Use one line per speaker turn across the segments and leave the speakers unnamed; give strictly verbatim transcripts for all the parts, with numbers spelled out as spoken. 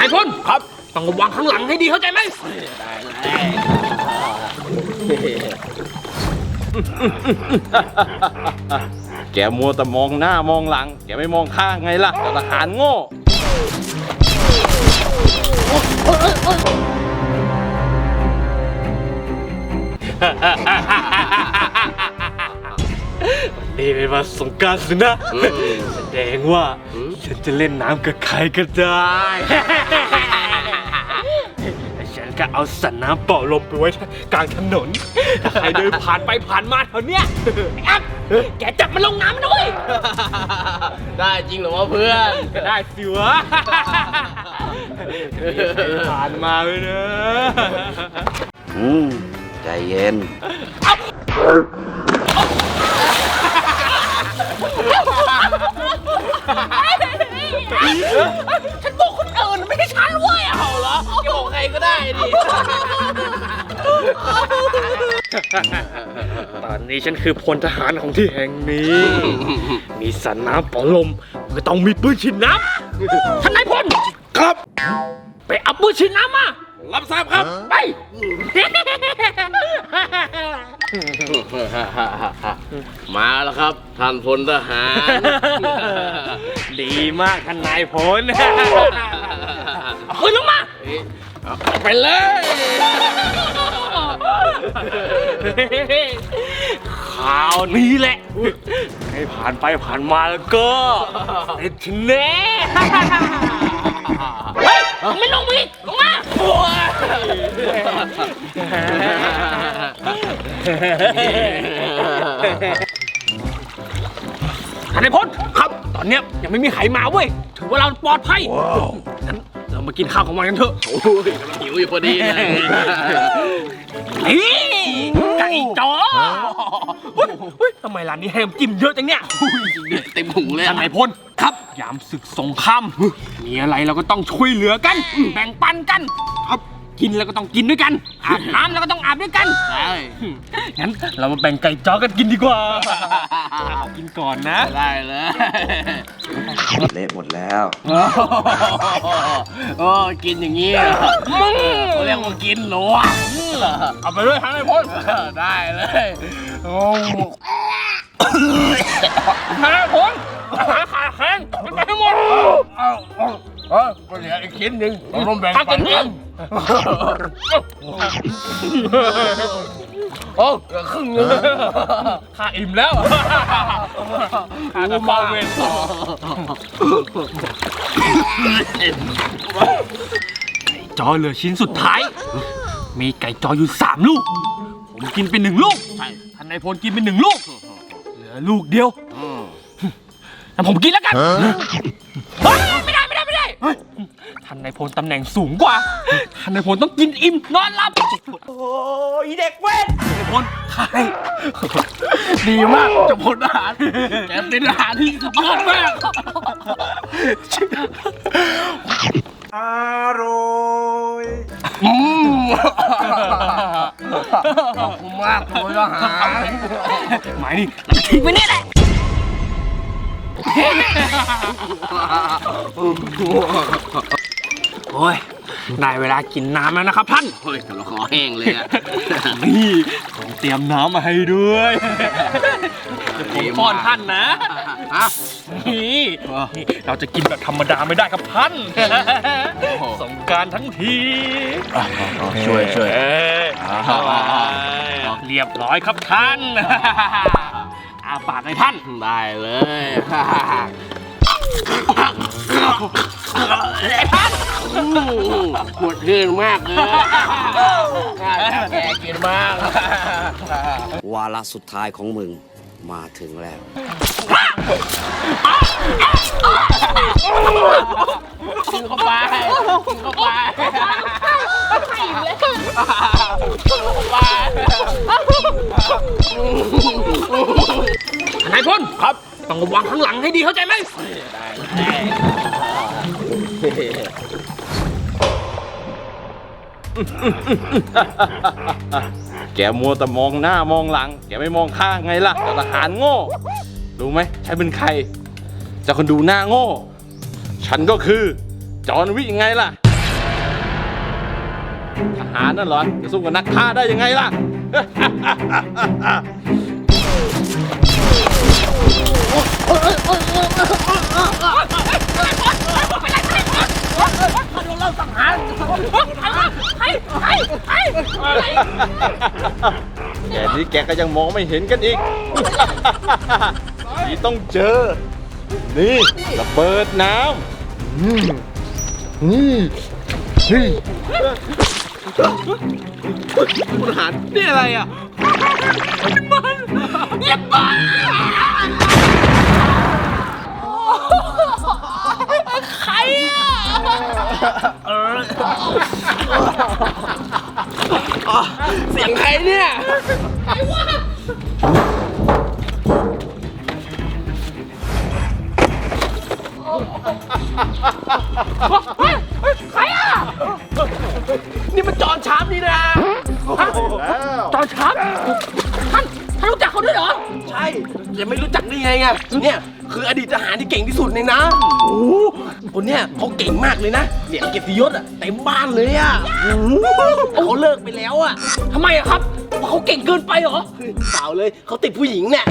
ายพลครับต้องระวังข้างหลังให้ดีเข้าใจไหมได้
เลยแกมัวแต่มองหน้ามองหลังแกไม่มองข้างไงล่ะทหารโง่
นี่เป็นวันสงกรานต์สินะแสดงว่าฉันจะเล่นน้ำกับใครก็ได้ฉันก็เอาสันน้ำเป่าลมไปไว้กลางถนนถ้าใครเดินผ่านไปผ่านมาแถวเนี้ยไอ้อัพแกจับมันลงน้ำด้วย
ได้จริงเหรอวะเพื่อน
ก็ได้สิวะผ่านมาเลยนะ
อืมใจเย็น
ฉันบอกคนอื่นไม่ใช่ฉันเว้ยเอาเหรอ
จะบอกใครก็ได้ดิ
ตอนนี้ฉันคือพลทหารของที่แห่งนี้มีสันน้ำปอลมไม่ต้องมีปืนฉีดน้ำท่านนายพล
ครับ
ไปเอาปืนฉีดน้ำมา
รับทราบครับ
ไป
มาแล้วครับท่านพลทหาร
ดีมากท่านนายพลเอาปืนลงมา
ไปเลย
ข่าวนี้แหละให้ผ่านไปผ่านมาแล้วก็ติดถึงแน่เฮ้ยไม่ลงมาอีกลงมาท่านนายพลครับตอนเนี้ยยังไม่มีใครมาเว้ยถือว่าเราปลอดภัยงั้นเรามากินข้าวของมันกันเถอะ
โอ้ยหิวอยู่พอดีเลย
นี่ไก่จ๋อเฮ้ยทำไมร้านนี้ให้น้ำจิ้มเยอะจังเนี่ย
เต็มหูเลย
ท่านนายพลครับยามศึกสงครามมีอะไรเราก็ต้องช่วยเหลือกันแบ่งปันกันครับกินแล้วก็ต้องกินด้วยกันอาบน้ำแล้วก็ต้องอาบด้วยกัน
ใช่
งั้นเรามาแบ่งไก่จ๋อกันกินดีกว่ากินก่อนนะ
ได้เลย
เละหมดแล้ว
โอ้กินอย่างนี้เขาเรียกว่ากินหนู
เอาไปด้วยท่านนายพล
ได้เลยโอ้
ท่านนายพลหาขาแข็งมันไปให้หมด
เอาเออก็เหลืออีกชิ้นหนึ่งเราต้องแบ่งปันกันโอ้เหลือครึ่งนึง
ข้าอิ่มแล้วข้าก็เมาเวรจอเหลือชิ้นสุดท้ายมีไก่จออยู่สามลูกผมกินไปหนึ่งลูกท่านนายพลกินไปหนึ่งลูกเหลือลูกเดียวแต่ผมกินแล้วกันไม่ได้ไม่ได้ไม่ได้ท่านนายพลตำแหน่งสูงกว่าท่านนายพลต้องกินอิ่มนอนหลับโอ้ยเด็กเว้นนายพลใคร
ดีมากเจ้าพลทหารแกเป็นทหารที่สุดยอดมาก
อร่อย
อืมขอบคุณมากพลทหาร
หมายนี่ทิ้งไว้นี่แหละโอ้ยได้เวลากินน้ำแล้วนะครับท่าน
โอ้ยเราคอแห้งเลยอ่ะ
นี่ผมเตรียมน้ำมาให้ด้วยผมป้อนท่านนะนี่เราจะกินแบบธรรมดาไม่ได้ครับท่านสงกรานต์ทั้งที
ช่วยช่วย
เรียบร้อยครับท่านอาปากให้ท่าน
ได้เลย
ไอ้ท่าน
ปวดขึ้นมากเลยแกกินมาก
วาระสุดท้ายของมึงมาถึงแล้ว
กินเข้าไปกินเข้าไป
อิ่มเลยนายพลครับต้องระวังข้างหลังให้ดีเข้าใจไหม
แกมัวแต่มองหน้ามองหลังแกไม่มองข้างไงล่ะทหารโง่รู้ไหมฉันเป็นใครจะคนดูหน้าโง่ฉันก็คือจอห์นวิกยังไงล่ะทหารนั่นเหรอจะสู้กับนักฆ่าได้ยังไงล่ะ แกนี้แกก็ยังมองไม่เห็นกันอีก นี่ต้องเจอ นี่ระเบิดน้ำอืมนี่นี่
คุณทหารนี่อะไรอ่ะ
ใครอ่ะ
เสียงใครเนี่ย
ใครอ่ะ
นี่มันจอนชาร์ปนี่นะ
จอนชับท่านท่านรู้จักเขาด้วยเหรอ
ใช่ยังไม่รู้จักได้ไงอ่ะเนี่ยคืออดีตทหารที่เก่งที่สุดเลยนะโอ้โหคนเนี้ยเขาเก่งมากเลยนะเนี่ยเกียรติยศอ่ะเต็มบ้านเลยอ่ะเขาเลิกไปแล้วอ่ะ
ทำไมอะครับเพราะเขาเก่งเกินไปเหรอ
เปล่าเลยเขาติดผู้หญิงเนี่ย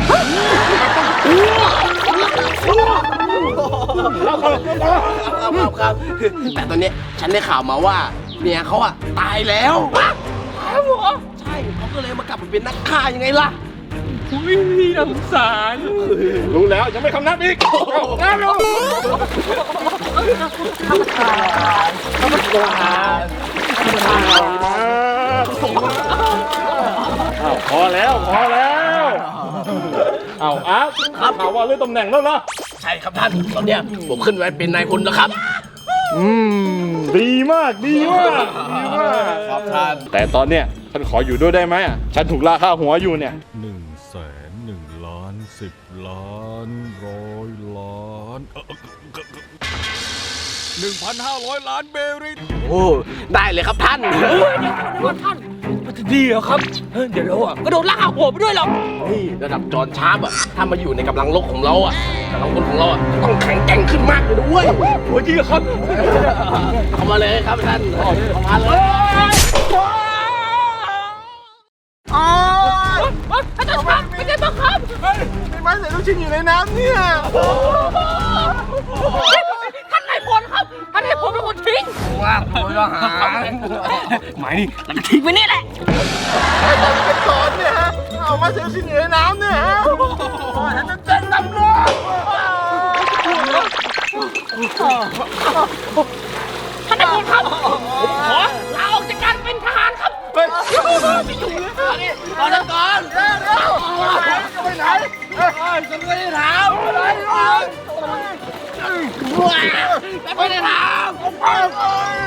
ครับครับแต่ตอนเนี้ยฉันได้ข่าวมาว่าเมียเขาอ่ะตายแล้ว
ครับผม
ใช่เขาก็เลยมากลับมาเป็นนักฆ่ายังไงล่ะ
อุ้ยน่าสงสาร
รู้แล้วยังไม่คำนับอีกเอาเอาเอาพอแล้วพอแล้วเอาอาร์ตครับข่าวว่าเลื่อนตำแหน่งแล้วเหรอ
ใช่ครับท่านตอนเนี้ยผมขึ้นไปเป็นนายพลแล้วครับ
อืมดีมากดีมากดีมาก
ครับท่าน
แต่ตอนเนี้ยฉันขออยู่ด้วยได้ไหมอ่ะฉันถูกล่าฆ่าหัวอยู่เนี่ย
หนึ่งแสนหนึ่งล้านสิบล้านร้อยล้านหนึ่งพันห้าร้อยล้านเบริต
โอ้ได้เลยครับท่าน
ว่าท่านมันจะดีเหรอครับเฮ้ยเดี๋ยวเราอะก็โดนลากหัวไปด้วยหรอก
นี่ระดับจอนชาร์ปอ่ะถ้ามาอยู่ในกำลังลบของเราอ่ะกำลังพลของเราอ่ะต้องแข็งแกร่งขึ้นมากเลยด้วยโอ้ยจริงครับเข้ามาเลยครับท่านเข้ามาเลย
ท่านจะชับเป็นไงบ้างครับ
มีไม้ใส่ลูกชิ้นอยู่ในน้ำเนี่ย
ท่านนายพลครับ ท่านนายพลเป็นคนทิ้ง
ว่างตัวทหาร
หมายนี่
แล้วก็ทิ้งไว้นี่แหละ
สอนเนี่ยฮะเอาไม้ใส่ลูกชิ้นอยู่ในน้ำเนี่ยฮะฉันจะแจ้งตำรวจ
ท่านนายพลครับผมขอลาออกจากการเป็นทหารครับ
ตอนนั้นก่อนเร็วเร็วไปไหนฉันไม่ได้ถามอะไรไม่ได้ถาม